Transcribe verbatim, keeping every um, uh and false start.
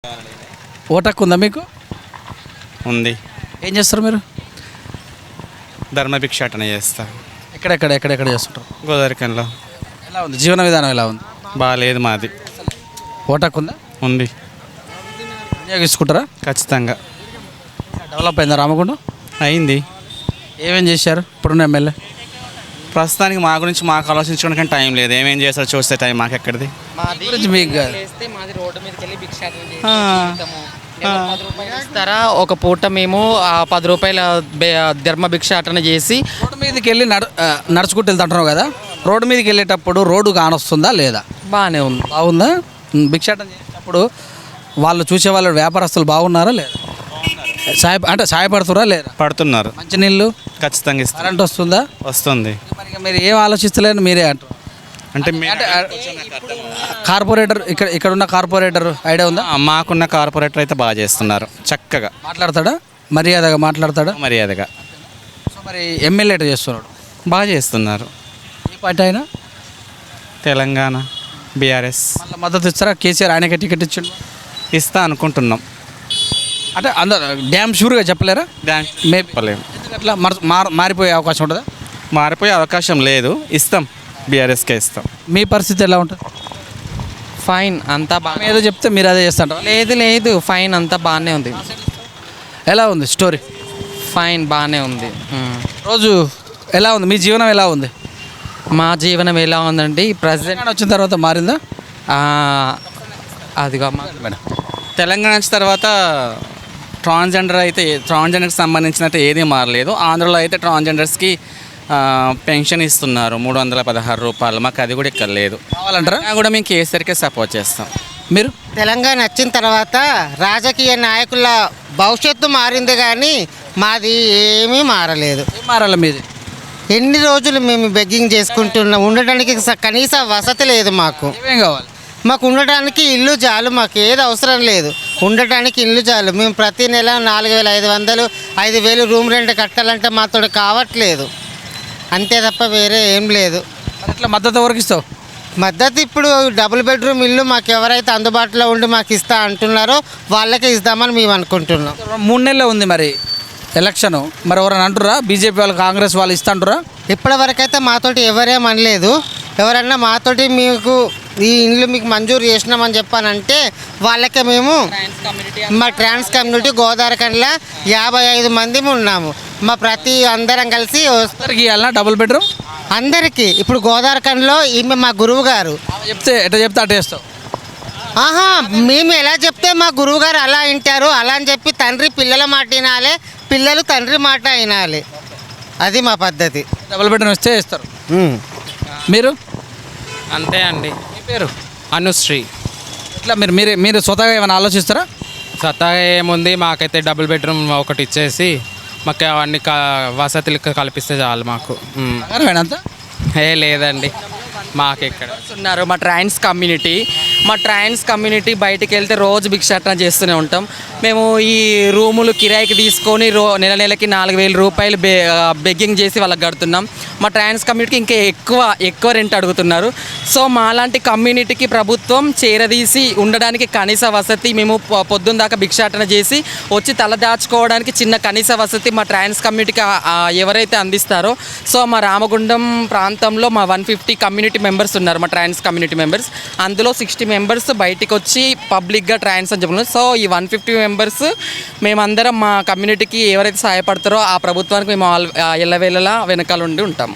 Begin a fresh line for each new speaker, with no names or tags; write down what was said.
Vote హక్కు ఉందా మీకు?
ఉంది.
ఏం చేస్తారు మీరు?
ధర్మభిక్షాటన చేస్తా.
ఎక్కడెక్కడ ఎక్కడెక్కడ చేస్తుంటారు?
గోదావరికంలో.
ఎలా ఉంది జీవన విధానం, ఎలా ఉంది?
బాగాలేదు మాది.
ఓటు హక్కు ఉందా?
ఉంది.
వినియోగించుకుంటారా?
ఖచ్చితంగా.
డెవలప్ అయిందా రామగుండం?
అయింది.
ఏమేం చేశారు ఇప్పుడున్న ఎమ్మెల్యే?
ప్రస్తుతానికి మా గురించి మాకు ఆలోచించుకోవడానికి టైం లేదు. ఏమేం చేస్తారో చూస్తే టైం మాకు ఎక్కడిది.
మాది గురించి మీకు కాదు.
మాది రోడ్డు మీదకి వెళ్ళి భిక్షాటన చేసి జీవితము. ఏదో పది రూపాయలు ఇస్తారా ఒక పూట, మేము ఆ పది రూపాయల బె- ధర్మ భిక్షాటన చేసి
రోడ్డు మీదకి వెళ్ళి నడు ఆ, నడుచుకుంటూ వెళ్తుంటున్నావు కదా, రోడ్డు మీదకి వెళ్ళేటప్పుడు రోడ్డు కానొస్తుందా లేదా?
బాగానే ఉంది.
బాగుందా? ఉమ్, భిక్షాటన చేసేటప్పుడు వాళ్ళు చూసే వాళ్ళు వ్యాపారస్తులు బాగున్నారా లేదా? సాయ అంటే సాయపడుతురా లేదా?
పడుతున్నారు.
మంచినీళ్ళు,
ఖచ్చితంగా ఇస్తారు.
కరెంట్ వస్తుందా?
వస్తుంది.
మరి ఇక మీరు ఏం ఆలోచిస్తలేరు మీరే అంటారు.
అంటే మీ-
అంటే కార్పొరేటర్ ఇక్కడ ఇక్కడ ఉన్న కార్పొరేటర్ ఐడియా ఉందా?
ఆ, మాకున్న కార్పొరేటర్ అయితే బాగా చేస్తున్నారు. చక్కగా
మాట్లాడతాడా? మర్యాదగా మాట్లాడతాడా?
మర్యాదగా
సో మరి ఎమ్మెల్యే ఎట్లా చేస్తున్నాడు?
బాగా చేస్తున్నారు.
ఏ పార్టీ అయినా
తెలంగాణ బీఆర్ఎస్
మళ్ళీ మద్దతు ఇస్తారా? కేసీఆర్ ఆయనకే టికెట్ ఇచ్చిండు
ఇస్తా అనుకుంటున్నాం.
అంటే అందరు డ్యామ్ షూర్గా చెప్పలేరా?
దానికి
మేబీ
చెప్పలేము.
అట్లా మార్- మార్- మారిపోయే అవకాశం ఉంటుందా?
మారిపోయే అవకాశం లేదు. ఇస్తాం. బీఆర్ఎస్కే ఇస్తాం.
మీ పరిస్థితి ఎలా ఉంటుంది?
ఫైన్ అంతా బాగా.
ఏదో చెప్తే మీరు అదే చేస్తాంటారా?
లేదు లేదు ఫైన్ అంతా బాగానే ఉంది.
ఎలా ఉంది స్టోరీ?
ఫైన్ బాగానే ఉంది. ఉమ్.
రోజు ఎలా ఉంది? మీ జీవనం ఎలా ఉంది?
మా జీవనం ఎలా ఉందండి ప్రజెంట్?
తెలంగాణ వచ్చిన తర్వాత మారిందా?
అదిగా మా
మేడం
తెలంగాణ వచ్చిన తర్వాత ట్రాన్స్జెండర్ అయితే ట్రాన్స్జెండర్కి సంబంధించినట్టు ఏదీ మారలేదు. ఆంధ్రలో అయితే ట్రాన్స్జెండర్స్కి ఆ, పెన్షన్ ఇస్తున్నారు మూడు వందల పదహారు రూపాయలు. మాకు అది కూడా ఇక్కడ లేదు.
కావాలంటారా?
అయినా కూడా మేము కేసీఆర్కే సపోర్ట్ చేస్తాం.
మీరు
తెలంగాణ వచ్చిన తర్వాత రాజకీయ నాయకుల భవిష్యత్తు మారింది కానీ మాది ఏమీ మారలేదు.
ఏం మారాలి మీది?
ఎన్ని రోజులు మేము బెగ్గింగ్ చేసుకుంటున్నాం, ఉండడానికి స- కనీస వసతి లేదు మాకు.
ఏమేం కావాలి?
మాకు ఉండడానికి ఇల్లు చాలు, మాకు ఏది అవసరం లేదు, ఉండటానికి ఇల్లు చాలు. మేము ప్రతి నెల నాలుగు వేల ఐదు వందలు ఐదు వేలు రూమ్ రెంట్ కట్టాలంటే మాతో కావట్లేదు. అంతే తప్ప వేరే ఏం లేదు.
మరి ఎట్లా మద్దతు ఎవరికి ఇస్తావు?
మద్దతు ఇప్పుడు డబుల్ బెడ్రూమ్ ఇల్లు మాకు ఎవరైతే అందుబాటులో ఉండి మాకు ఇస్తా అంటున్నారో వాళ్ళకే ఇస్తామని మేము అనుకుంటున్నాం.
మూడు నెలలే ఉంది మరి ఎలక్షన్. మరి ఎవరైనా అంటురా బీజేపీ వాళ్ళు కాంగ్రెస్ వాళ్ళు ఇస్తా అంటురా?
ఇప్పటివరకైతే మాతోటి ఎవరేం అనలేదు. ఎవరన్నా మాతోటి మీకు ఈ ఇండ్లు మీకు మంజూరు చేసినామని చెప్పానంటే వాళ్ళకే మేము మా ట్రాన్స్ కమ్యూనిటీ గోదావరికండ్లా యాభై ఐదు మంది ఉన్నాము. మా ప్రతి అందరం కలిసి వస్-
అందరికి ఇవ్వాలన్నా డబుల్ బెడ్రూమ్?
అందరికీ ఇప్పుడు గోదావరికండ్లో ఈమె మా గురువు గారు.
చెప్తే ఎట్లా చెప్తే అట్లా వేస్తావు?
ఆహా, మేము ఎలా చెప్తే మా గురువు గారు అలా వింటారు. అలా అని చెప్పి తండ్రి పిల్లల మాట వినాలి, పిల్లలు తండ్రి మాట వినాలి. అది మా పద్ధతి.
డబుల్ బెడ్రూమ్ ఇస్తే వేస్తారు.
ఉమ్.
మీరు?
అంతే అండి.
మీ పేరు?
అనుశ్రీ.
ఇట్లా మీరు మీరు మీరు స్వతహాగా ఏమైనా ఆలోచిస్తారా?
సత్తాగా ఏముంది, మాకైతే డబుల్ బెడ్రూమ్ ఒకటి ఇచ్చేసి మాకు అవన్నీ క వసతులు కల్పిస్తే చాలు మాకు. ఉమ్.
అంతా
ఏ లేదండి మాకెక్కడ.
ఉన్నారు మా ట్రాన్స్ కమ్యూనిటీ. మా ట్రాన్స్ కమ్యూనిటీ బయటికి వెళ్తే రోజు భిక్షాటన చేస్తూనే ఉంటాం. మేము ఈ రూములు కిరాయికి తీసుకొని రో నెల నెలకి నాలుగు వేల రూపాయలు బె బెగ్గింగ్ చేసి వాళ్ళకి కడుతున్నాం. మా ట్రాన్స్ కమ్యూనిటీకి ఇంకా ఎక్కువ ఎక్కువ రెంట్ అడుగుతున్నారు. సో మాలాంటి కమ్యూనిటీకి ప్రభుత్వం చేరదీసి ఉండడానికి కనీస వసతి, మేము పొ- పొద్దున్న దాకా భిక్షాటన చేసి వచ్చి తల దాచుకోవడానికి చిన్న కనీస వసతి మా ట్రాన్స్ కమ్యూనిటీకి ఆ- ఆ ఎవరైతే అందిస్తారో, సో మా రామగుండం ప్రాంతంలో మా వన్ ఫిఫ్టీ కమ్యూనిటీ మెంబర్స్ ఉన్నారు, మా ట్రాన్స్ కమ్యూనిటీ మెంబర్స్. అందులో సిక్స్టీ మెంబర్స్ బయటికి వచ్చి పబ్లిక్గా ట్రాన్స్ అని చెప్పుకున్నారు. సో ఈ వన్ ఫిఫ్టీ మెంబర్స్ మేమందరం మా కమ్యూనిటీకి ఎవరైతే సహాయపడతారో ఆ ప్రభుత్వానికి మేము ఆల్ ఎల్లవేళలా వెనకాల ఉండి ఉంటాం.